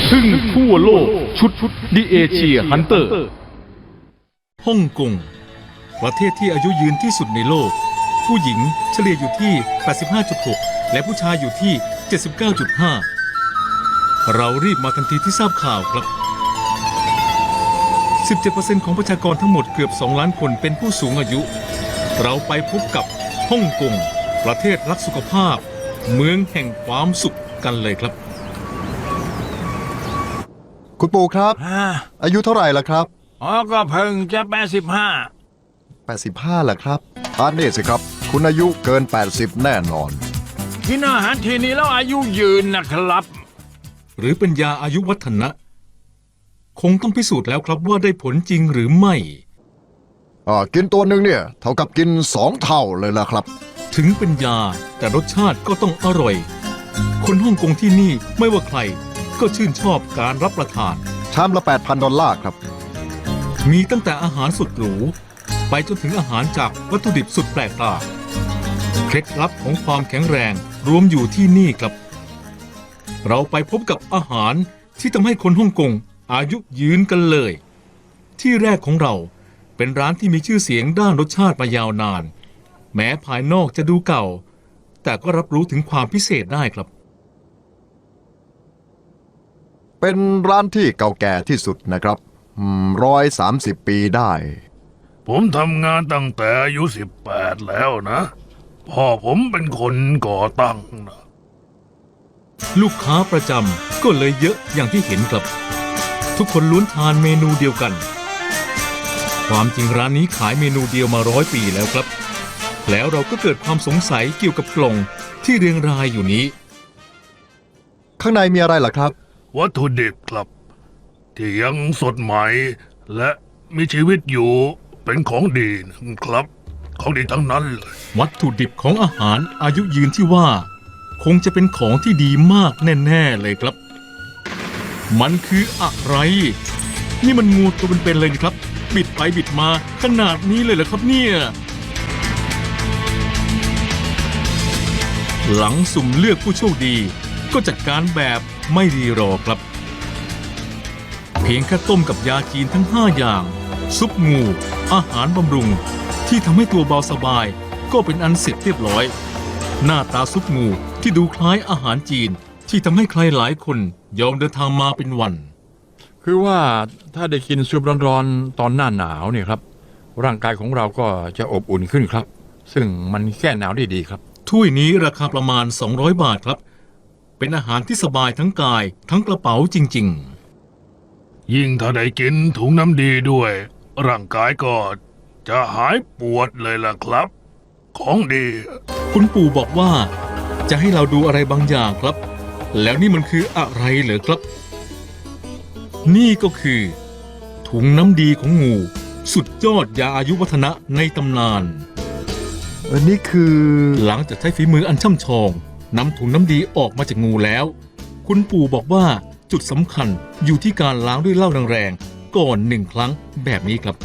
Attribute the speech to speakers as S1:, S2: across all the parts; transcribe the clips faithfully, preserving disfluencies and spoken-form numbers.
S1: ทึ่งทั่วโลกชุดดิเอเชียฮันเตอร์ฮ่องกงประเทศที่อายุยืนที่สุดในโลกผู้หญิงเฉลี่ยอยู่ที่ แปดสิบห้าจุดหก และผู้ชายอยู่ที่ เจ็ดสิบเก้าจุดห้า เรารีบมาทันทีที่ทราบข่าวครับ สิบเจ็ดเปอร์เซ็นต์ ของประชากรทั้งหมดเกือบสองล้านคนเป็นผู้สูงอายุ เราไปพบกับฮ่องกงประเทศรักสุขภาพเมืองแห่งความสุขกันเลยครับ
S2: คุณปู่ครับอายุเท่าไหร่ล่ะครับ
S3: อ๋อก็เพิ่งจะแปดสิบห้า
S2: แปดสิบห้าล่ะครับอ่านนี่สิครับคุณอายุเกินแปดสิบแน่นอน
S3: กินอาหารทีนี้แล้วอายุยืนนะครับ
S1: หรือเป็นยาอายุวัฒนะคงต้องพิสูจน์แล้วครับว่าได้ผลจริงหรือไม่
S2: อ่ากินตัวหนึ่งเนี่ยเท่ากับกินสองเท่าเลยล่ะครับ
S1: ถึงเป็นยาแต่รสชาติก็ต้องอร่อยคนฮ่องกงที่นี่ไม่ว่าใครก็ชื่นชอบการรับประทาน
S2: ชามละ แปดพัน ดอลลาร์ครับ
S1: มีตั้งแต่อาหารสุดหรูไปจนถึงอาหารจากวัตถุดิบสุดแปลกตาเคล็ดลับของความแข็งแรงรวมอยู่ที่นี่ครับเราไปพบกับอาหารที่ทำให้คนฮ่องกงอายุยืนกันเลยที่แรกของเราเป็นร้านที่มีชื่อเสียงด้านรสชาติมายาวนานแม้ภายนอกจะดูเก่าแต่ก็รับรู้ถึงความพิเศษได้ครับ
S2: เป็นร้านที่เก่าแก่ที่สุดนะครับร้อยสามสิบปีได้
S4: ผมทำงานตั้งแต่อายุสิบแปดแล้วนะพ่อผมเป็นคนก่อตั้งนะ
S1: ลูกค้าประจำก็เลยเยอะอย่างที่เห็นครับทุกคนล้วนทานเมนูเดียวกันความจริงร้านนี้ขายเมนูเดียวมาร้อยปีแล้วครับแล้วเราก็เกิดความสงสัยเกี่ยวกับกล่องที่เรียงรายอยู่นี้
S2: ข้างในมีอะไรล่ะครับ
S4: วัตถุดิบครับที่ยังสดใหม่และมีชีวิตอยู่เป็นของดีนะครับของดีทั้งนั้นเลย
S1: วัตถุดิบของอาหารอายุยืนที่ว่าคงจะเป็นของที่ดีมากแน่ๆเลยครับมันคืออะไรนี่มันงูตัวเป็นๆเลยนะครับบิดไปบิดมาขนาดนี้เลยเหรอครับเนี่ยหลังสุ่มเลือกผู้โชคดีก็จัดการแบบไม่รีรอครับเพียงแค่ต้มกับยาจีนทั้งห้าอย่างซุปงูอาหารบำรุงที่ทำให้ตัวเบาสบายก็เป็นอันเสร็จเรียบร้อยหน้าตาซุปงูที่ดูคล้ายอาหารจีนที่ทำให้ใครหลายคนยอมเดินทางมาเป็นวัน
S3: คือว่าถ้าได้กินซุปร้อนๆตอนหน้าหนาวเนี่ยครับร่างกายของเราก็จะอบอุ่นขึ้นครับซึ่งมันแก้หนาวได้ดีครับ
S1: ถ้วยนี้ราคาประมาณสองร้อยบาทครับเป็นอาหารที่สบายทั้งกายทั้งกระเป๋าจริง
S4: ๆยิ่งถ้าได้กินถุงน้ำดีด้วยร่างกายก็จะหายปวดเลยล่ะครับของดี
S1: คุณปู่บอกว่าจะให้เราดูอะไรบางอย่างครับแล้วนี่มันคืออะไรเหรอครับนี่ก็คือถุงน้ำดีของงูสุดยอดยาอายุวัฒนะในตำนาน
S2: อันนี้คือ
S1: หลังจากใช้ฝีมืออันช่ำชองนำถุงน้ำดีออกมาจากงูแล้วคุณปู่บอกว่าจุดสำคัญอยู่ที่การล้างด้วยเหล้าแรงๆก่อนหนึ่งครั้งแบบนี้ครับ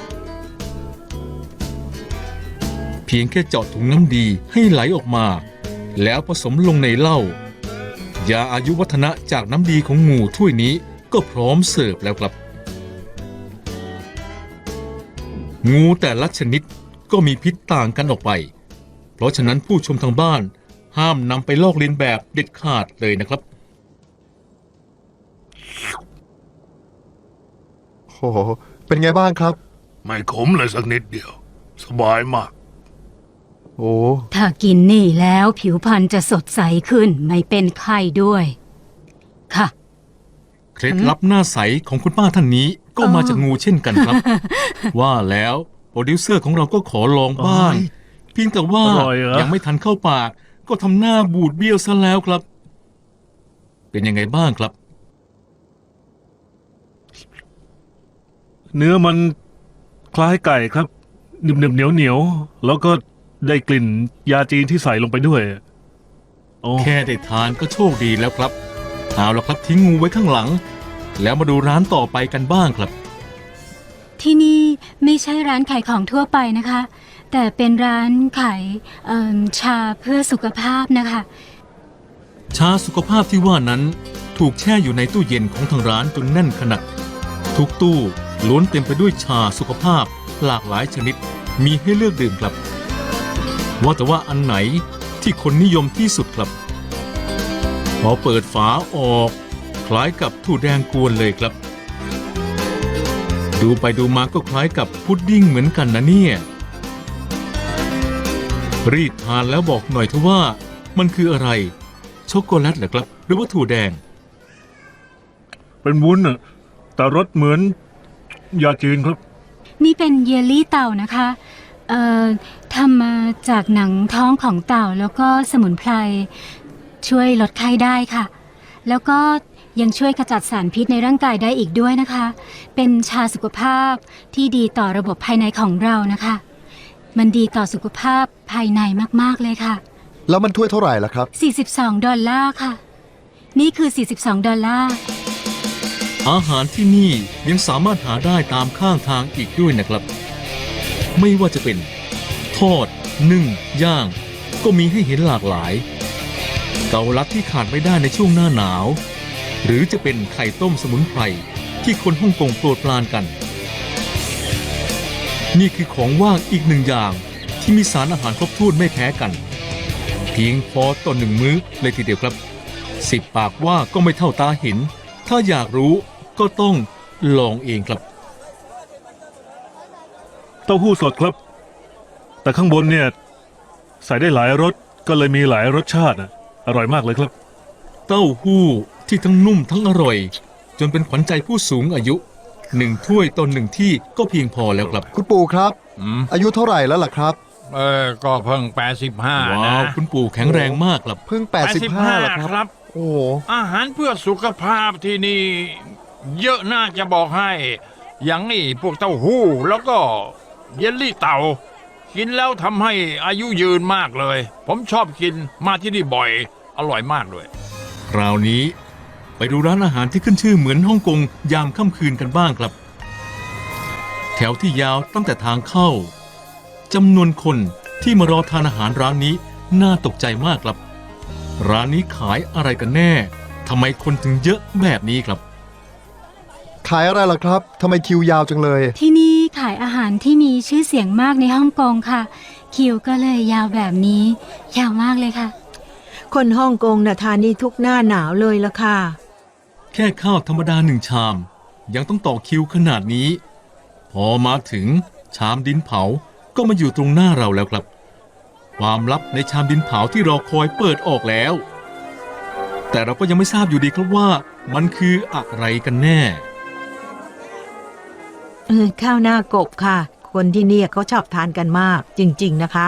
S1: เพียงแค่เจาะถุงน้ำดีให้ไหลออกมาแล้วผสมลงในเหล้ายาอายุวัฒนะจากน้ำดีของงูถ้วยนี้ก็พร้อมเสิร์ฟแล้วครับงูแต่ละชนิดก็มีพิษต่างกันออกไปเพราะฉะนั้นผู้ชมทางบ้านห้ามนำไปลอกเลียนแบบเด็ดขาดเลยนะครับ
S2: โอ้โหเป็นไงบ้างครับ
S4: ไม่ขมเลยสักนิดเดียวสบายมาก
S2: โอ้
S5: ถ้ากินนี่แล้วผิวพรรณจะสดใสขึ้นไม่เป็นไข้ด้วยค่ะ
S1: เคล็ดลับหน้าใสของคุณป้าท่านนี้ก็มาจากงูเช่นกันครับว่าแล้วโปรดิวเซอร์ของเราก็ขอลองบ้างเพียงแต่ว่ายังไม่ทันเข้าปากก็ทำหน้าบูดเบี้ยวซะแล้วครับเป็นยังไงบ้างครับ
S4: เนื้อมันคล้ายไก่ครับหนึบหนึบเหนียวเหนียวแล้วก็ได้กลิ่นยาจีนที่ใส่ลงไปด้วย
S1: แค่ได้ทานก็โชคดีแล้วครับเอาละครับทิ้งงูไว้ข้างหลังแล้วมาดูร้านต่อไปกันบ้างครับ
S5: ที่นี่ไม่ใช่ร้านขายของทั่วไปนะคะแต่เป็นร้านขายชาเพื่อสุขภาพนะคะ
S1: ชาสุขภาพที่ว่านั้นถูกแช่อยู่ในตู้เย็นของทางร้านจนแน่นขนาดทุกตู้ล้วนเต็มไปด้วยชาสุขภาพหลากหลายชนิดมีให้เลือกดื่มครับว่าแต่ว่าอันไหนที่คนนิยมที่สุดครับพอเปิดฝาออกคล้ายกับถั่วแดงกวนเลยครับดูไปดูมาก็คล้ายกับพุดดิ้งเหมือนกันนะเนี่ยรีดทานแล้วบอกหน่อยเถอะว่ามันคืออะไรช็อกโกแลตเหรอครับหรือว่าถั่วแดง
S4: เป็นวุ้นอะแต่รสเหมือนยาจีนครับ
S5: นี่เป็นเยลลี่เต่านะคะ เอ่อทำมาจากหนังท้องของเต่าแล้วก็สมุนไพรช่วยลดไข้ได้ค่ะ แล้วก็ยังช่วยขจัดสารพิษในร่างกายได้อีกด้วยนะคะ เป็นชาสุขภาพที่ดีต่อระบบภายในของเรานะคะ มันดีต่อสุขภาพภายในมากๆเลยค่ะ
S2: แล้วมันถ้วยเท่าไหร่ล่ะครับ
S5: สี่สิบสอง ดอลลาร์ค่ะ นี่คือ สี่สิบสอง ดอลลาร์
S1: อาหารที่นี่ยังสามารถหาได้ตามข้างทางอีกด้วยนะครับ ไม่ว่าจะเป็นทอดนึ่งย่าง ก็มีให้เห็นหลากหลาย เกาลัดที่ขาดไม่ได้ในช่วงหน้าหนาว หรือจะเป็นไข่ต้มสมุนไพรที่คนฮ่องกงโปรดปรานกัน นี่คือของว่างอีกหนึ่งอย่างที่มีสารอาหารครบถ้วนไม่แพ้กัน เพียงพอต่อหนึ่งมื้อเลยทีเดียวครับสิบปากว่าก็ไม่เท่าตาเห็น ถ้าอยากรู้ก็ต้องลองเองครับ
S4: เต้าหู้สดครับ แต่ข้างบนเนี่ยใส่ได้หลายรสก็เลยมีหลายรสชาติอะอร่อยมากเลยครับ
S1: เต้าหู้ที่ทั้งนุ่มทั้งอร่อย จนเป็นขวัญใจผู้สูงอายุหนึ่งถ้วยต่อหนึ่งที่ก็เพียงพอแล้วครับ
S2: คุณปู่ครับ
S3: อืม
S2: อายุเท่าไหร่แล้วล่ะครับ
S3: เออก็เพิ่งแปดสิบห้า
S1: ว้า
S3: นะ
S1: วคุณปู่แข็งแรงมากครับ
S2: เพิ่ง แปดสิบห้าแล้วครับ
S3: ครับ
S2: โอ้โห
S3: อาหารเพื่อสุขภาพที่นี่ เยอะน่าจะบอกให้ อย่างนี่พวกเต้าหู้แล้วก็เยลลี่เต่า กินแล้วทำให้อายุยืนมากเลย ผมชอบกินมาที่นี่บ่อย อร่อยมากเลย
S1: คราวนี้ไปดูร้านอาหารที่ขึ้นชื่อเหมือนฮ่องกงยามค่ำคืนกันบ้างครับ แถวที่ยาวตั้งแต่ทางเข้าจำนวนคนที่มารอทานอาหารร้านนี้น่าตกใจมากครับ ร้านนี้ขายอะไรกันแน่ทำไมคนถึงเยอะแบบนี้ครับ
S2: ขายอะไรล่ะครับทำไมคิวยาวจังเลย
S5: ที่นี่ขายอาหารที่มีชื่อเสียงมากในฮ่องกงค่ะ คิวก็เลยยาวแบบนี้ ยาวมากเลยค่ะ
S6: คนฮ่องกงน่ะทานนี่ทุกหน้าหนาวเลยละค่ะ
S1: แค่ข้าวธรรมดาหนึ่งชาม ยังต้องต่อคิวขนาดนี้ พอมาถึงชามดินเผาก็มาอยู่ตรงหน้าเราแล้วครับ ความลับในชามดินเผาที่รอคอยเปิดออกแล้ว แต่เราก็ยังไม่ทราบอยู่ดีครับว่ามันคืออะไรกันแน่
S6: เออข้าวหน้ากบค่ะ คนที่เนี่ยเขาชอบทานกันมากจริงๆนะคะ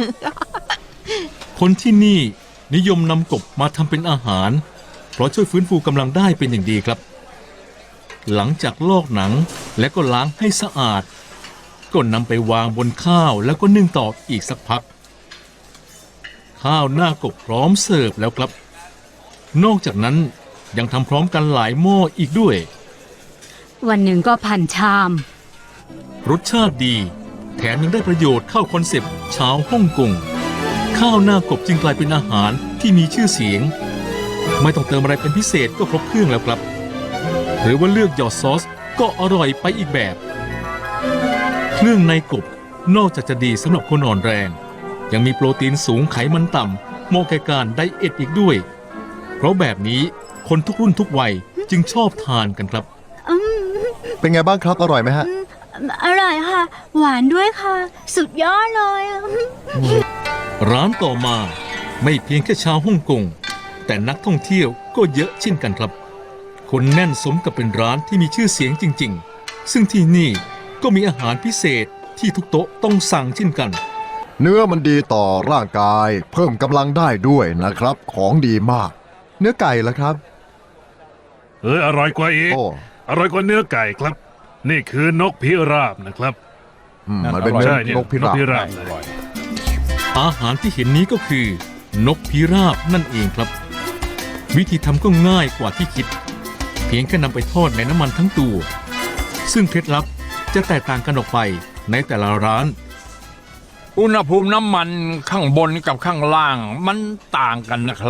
S1: คนที่นี่นิยมนำกบมาทำเป็นอาหาร เพราะช่วยฟื้นฟูกำลังได้เป็นอย่างดีครับ หลังจากลอกหนังและก็ล้างให้สะอาด ก็นำไปวางบนข้าวแล้วก็นึ่งต่ออีกสักพัก ข้าวหน้ากบพร้อมเสิร์ฟแล้วครับ นอกจากนั้นยังทำพร้อมกันหลายหม้ออีกด้วย
S5: วันหนึ่งก็พันชาม
S1: รสชาติดี แถมยังได้ประโยชน์เข้าคอนเซปต์ชาวฮ่องกง ข้าวหน้ากบจึงกลายเป็นอาหารที่มีชื่อเสียง ไม่ต้องเติมอะไรเป็นพิเศษก็ครบเครื่องแล้วครับ หรือว่าเลือกหยอดซอสก็อร่อยไปอีกแบบ เครื่องในกบนอกจากจะดีสำหรับคนอ่อนแรง ยังมีโปรตีนสูงไขมันต่ำเหมาะแก่การไดเอทอีกด้วย เพราะแบบนี้คนทุกรุ่นทุกวัยจึงชอบทานกันครับ
S2: เป็นไงบ้างครับ อร่อยไหมฮะ
S5: อร่อยค่ะ หวานด้วยค่ะ สุดยอดเลย
S1: ร้านต่อมาไม่เพียงแค่ชาวฮ่องกงแต่นักท่องเที่ยวก็เยอะเช่นกันครับ คนแน่นสมกับเป็นร้านที่มีชื่อเสียงจริงๆ ซึ่งที่นี่ก็มีอาหารพิเศษที่ทุกโต๊ะต้องสั่งเช่นกัน
S2: เนื้อมันดีต่อร่างกาย เพิ่มกำลังได้ด้วยนะครับ ของดีมาก เนื้อไก่ล่ะครับ
S4: เอออร่อยกว่าอีก
S2: โอ้
S4: อร่อยกว่าเนื้อไก่ครับ นี่คือนกพิราบนะครับ
S2: อืมมันเป็นเนื้
S4: ใช่
S2: อ
S4: เนี่ย
S2: นกพิราบ
S4: นกพิราบ
S3: อร่อย
S1: อาหารที่เห็นนี้ก็คือ นกพิราบนั่นเองครับ วิธีทำก็ง่ายกว่าที่คิด เพียงแค่นำไปทอดในน้ำมันทั้งตัว ซึ่งเคล็ดลับจะแตกต่างกันออกไปในแต่ละร้าน
S3: อุณหภูมิน้ำมันข้างบนกับข้างล่างมันต่างกันนะครับ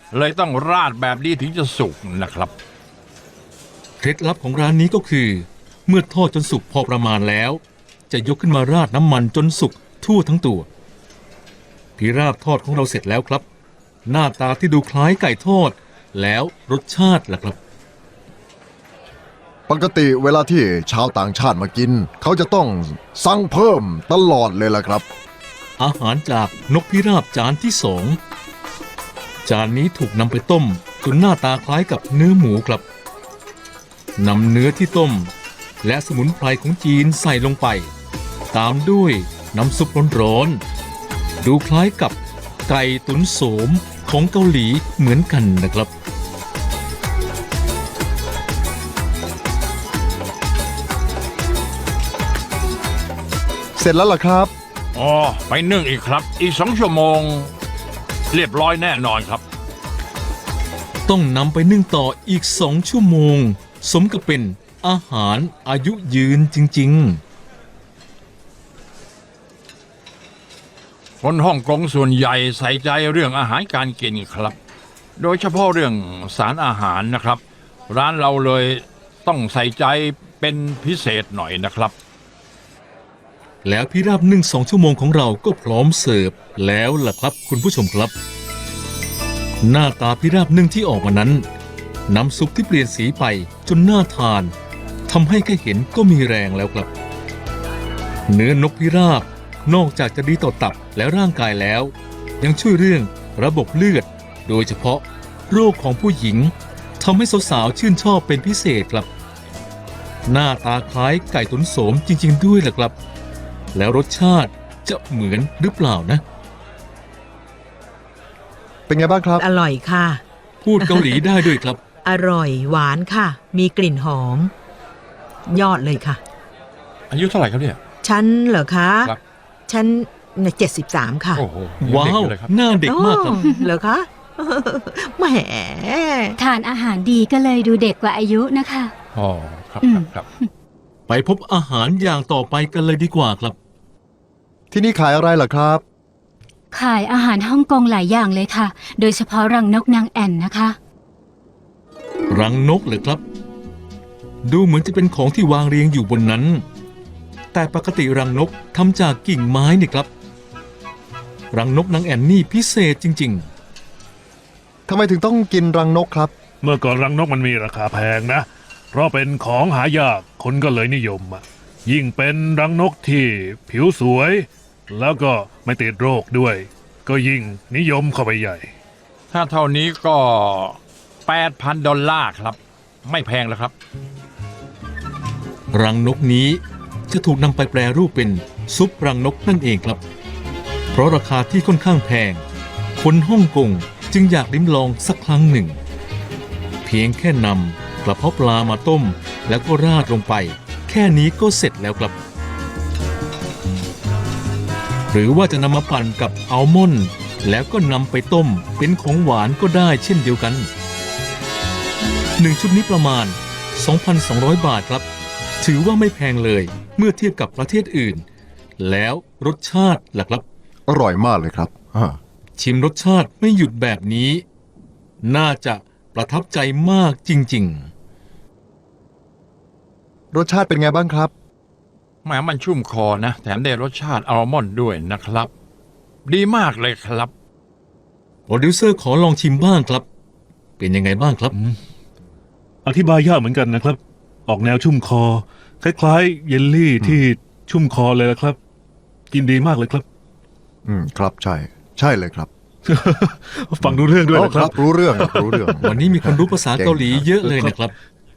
S3: เลยต้องราดแบบนี้ถึงจะสุกนะครับ
S1: เคล็ดลับของร้านนี้ก็คือ เมื่อทอดจนสุกพอประมาณแล้ว จะยกขึ้นมาราดน้ำมันจนสุกทั่วทั้งตัวพิราบทอดของเราเสร็จแล้วครับ หน้าตาที่ดูคล้ายไก่ทอด แล้วรสชาติล่ะครับ
S2: ปกติเวลาที่ชาวต่างชาติมากิน เขาจะต้องสั่งเพิ่มตลอดเลยล่ะครับ
S1: อาหารจากนกพิราบจานที่สองจานนี้ถูกนำไปต้มจนหน้าตาคล้ายกับเนื้อหมูครับนำเนื้อที่ต้ม และสมุนไพรของจีนใส่ลงไป ตามด้วยน้ำซุปร้อนๆดูคล้ายกับไก่ตุ๋นโสมของเกาหลีเหมือนกันนะครับ
S2: เสร็จแล้วล่ะครับ
S3: อ๋อ ไปนึ่งอีกครับ อีกสองชั่วโมง เรียบร้อยแน่นอนครับ
S1: ต้องนำไปนึ่งต่ออีกสองชั่วโมง สมกับเป็นอาหารอายุยืนจริงๆ
S3: คนฮ่องกงส่วนใหญ่ใส่ใจเรื่องอาหารการกินครับ โดยเฉพาะเรื่องสารอาหารนะครับ ร้านเราเลยต้องใส่ใจเป็นพิเศษหน่อยนะครับ
S1: แล้วพิราบนึ่งสองชั่วโมงของเราก็พร้อมเสิร์ฟแล้วล่ะครับคุณผู้ชมครับ หน้าตาพิราบนึ่งที่ออกมานั้น น้ำซุปที่เปลี่ยนสีไปจนน่าทานทำให้แค่เห็นก็มีแรงแล้วครับ เนื้อนกพิราบนอกจากจะดีต่อตับและร่างกายแล้ว ยังช่วยเรื่องระบบเลือด โดยเฉพาะโรคของผู้หญิงทำให้สาวๆชื่นชอบเป็นพิเศษครับ หน้าตาคล้ายไก่ตุ๋นโสมจริงๆด้วยล่ะครับ แล้วรสชาติจะเหมือนหรือเปล่านะ
S2: เป็นไงบ้างครับ
S6: อร่อยค่ะ
S1: พูดเกาหลีได้ด้วยครับ
S6: อร่อยหวานค่ะ มีกลิ่นหอม ยอดเลยค่ะ
S3: อายุเท่าไหร่ครับเนี่ย
S6: ฉันเหรอคะ
S3: ครับ
S6: ฉันเจ็ดสิบสามค่ะ
S3: โอ้โห
S1: ว้าว
S3: ยังเด็กอยู่เลยครับ
S1: หน้าเด็กมากครับ
S6: อ๋อเหรอคะ แหม
S5: ทานอาหารดีก็เลยดูเด็กกว่าอายุนะคะ
S3: อ๋อครับ
S5: อื
S3: ค
S5: ม
S3: รับครับ
S1: ไปพบอาหารอย่างต่อไปกันเลยดีกว่าครับ
S2: ที่นี่ขายอะไรล่ะครับ
S5: ขายอาหารฮ่องกงหลายอย่างเลยค่ะ โดยเฉพาะรังนกนางแอ่นนะคะ
S1: รังนกเหรอครับ ดูเหมือนจะเป็นของที่วางเรียงอยู่บนนั้น แต่ปกติรังนกทำจากกิ่งไม้นี่ครับ รังนกนางแอ่นนี่พิเศษจริง
S2: ทำไมถึงต้องกินรังนกครับ
S4: เมื่อก่อนรังนกมันมีราคาแพงนะ เพราะเป็นของหายากคนก็เลยนิยมอะยิ่งเป็นรังนกที่ผิวสวย แล้วก็ไม่ติดโรคด้วย ก็ยิ่งนิยมเข้าไปใหญ่
S3: ถ้าเท่านี้ก็แปดพันดอลลาร์ครับ ไม่แพงแล้วครับ
S1: ๆ รังนกนี้จะถูกนำไปแปรรูปเป็นซุปรังนกนั่นเองครับ เพราะราคาที่ค่อนข้างแพง คนฮ่องกงจึงอยากลิ้มลองสักครั้งหนึ่ง เพียงแค่นำกระเพาะปลามาต้ม แล้วก็ราดลงไป แค่นี้ก็เสร็จแล้วครับ หรือว่าจะนำมาปั่นกับอัลมอนด์แล้วก็นำไปต้มเป็นของหวานก็ได้เช่นเดียวกันหนึ่งชุดนี้ประมาณ สองพันสองร้อย บาทครับ ถือว่าไม่แพงเลยเมื่อเทียบกับประเทศอื่น แล้วรสชาติล่ะครับ
S2: อร่อยมากเลยครับอ่า
S1: ชิมรสชาติไม่หยุดแบบนี้ น่าจะประทับใจมากจริง
S2: รสชาติเป็นไงบ้างครับ
S3: แหมมันชุ่มคอนะ แถมได้รสชาติอัลมอนด์ด้วยนะครับ ดีมากเลยครับ
S1: ๆ โปรดิวเซอร์ขอลองชิมบ้างครับ เป็นยังไงบ้างครับ
S4: อธิบายยากเหมือนกันนะครับ ออกแนวชุ่มคอ คล้ายๆ เยลลี่ที่ชุ่มคอเลยละครับ กินดีมากเลยครับ
S2: อืมครับใช่ ใช่เลยครับ
S4: ฟังดูเรื่องด้วย
S2: อ๋อ
S4: นะ
S2: ค
S4: ค
S2: รั
S4: รั
S2: บบ รู้เรื่องครับรู้เรื่อง
S1: วันนี้มีคนรู้ภาษาเกาหลีเยอะเลยนะครับ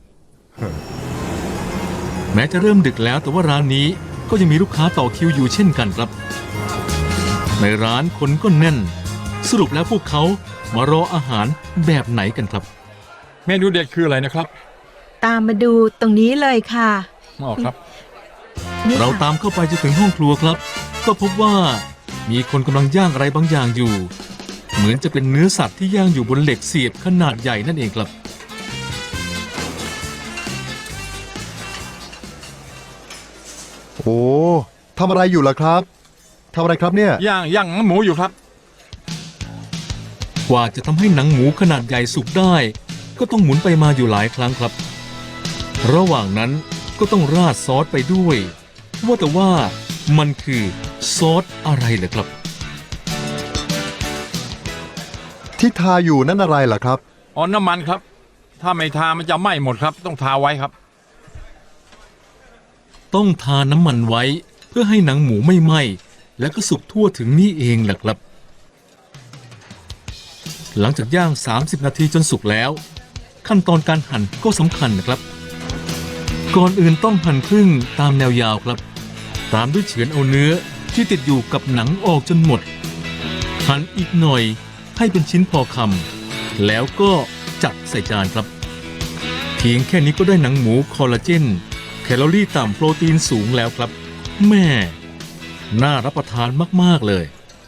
S1: แม้จะเริ่มดึกแล้วแต่ว่าร้านนี้ก็ยังมีลูกค้าต่อคิวอยู่เช่นกันครับ ในร้านคนก็แน่น สรุปแล้วพวกเขามารออาหารแบบไหนกันครับ
S3: เมนูเด็ดคืออะไรนะครับ
S6: ตามมาดูตรงนี้เลยค่ะ
S3: อ๋อครับ
S6: นี่
S1: เรา
S6: ค่ะ
S1: ตามเข้าไปจนถึงห้องครัวครับ ก็พบว่ามีคนกำลังย่างอะไรบางอย่างอยู่ เหมือนจะเป็นเนื้อสัตว์ที่ย่างอยู่บนเหล็กเสียบขนาดใหญ่นั่นเองครับ
S2: โอ้ทำอะไรอยู่ล่ะครับทำอะไรครับเนี่ย
S3: ย่างย่างหมูอยู่ครับ
S1: กว่าจะทำให้หนังหมูขนาดใหญ่สุกได้ ก็ต้องหมุนไปมาอยู่หลายครั้งครับ ระหว่างนั้นก็ต้องราดซอสไปด้วย ว่าแต่ว่ามันคือซอสอะไรเหรอครับ
S2: ที่ทาอยู่นั่นอะไรล่ะครับ
S3: อ๋อน้ำมันครับ ถ้าไม่ทามันจะไหม้หมดครับ ต้องทาไว้ครับ
S1: ต้องทาน้ำมันไว้เพื่อให้หนังหมูไม่ไหม้และก็สุกทั่วถึงนี่เองแหละครับ หลังจากย่าง สามสิบ นาทีจนสุกแล้ว ขั้นตอนการหั่นก็สำคัญนะครับ ก่อนอื่นต้องหั่นครึ่งตามแนวยาวครับ ตามด้วยเฉือนเอาเนื้อที่ติดอยู่กับหนังออกจนหมด หั่นอีกหน่อยให้เป็นชิ้นพอคำแล้วก็จัดใส่จานครับ เพียงแค่นี้ก็ได้หนังหมูคอลลาเจนแคลอรี่ต่ำโปรตีนสูงแล้วครับ แม่น่ารับประทานมากๆเลย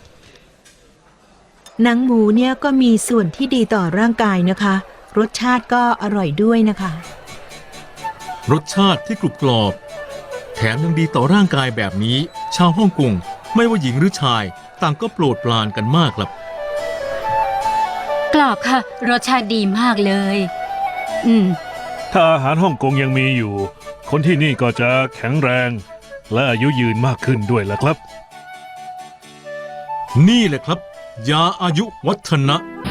S6: หนังหมูเนี่ยก็มีส่วนที่ดีต่อร่างกายนะคะ รสชาติก็อร่อยด้วยนะคะ
S1: รสชาติที่กรุบกรอบ แถมยังดีต่อร่างกายแบบนี้ ชาวฮ่องกงไม่ว่าหญิงหรือชาย ต่างก็โปรดปรานกันมากครับ
S5: กรอบค่ะ รสชาติดีมากเลย อืม
S4: ถ้าอาหารฮ่องกงยังมีอยู่ คนที่นี่ก็จะแข็งแรง และอายุยืนมากขึ้นด้วยล่ะครับ
S1: นี่แหละครับ ยาอายุวัฒนะ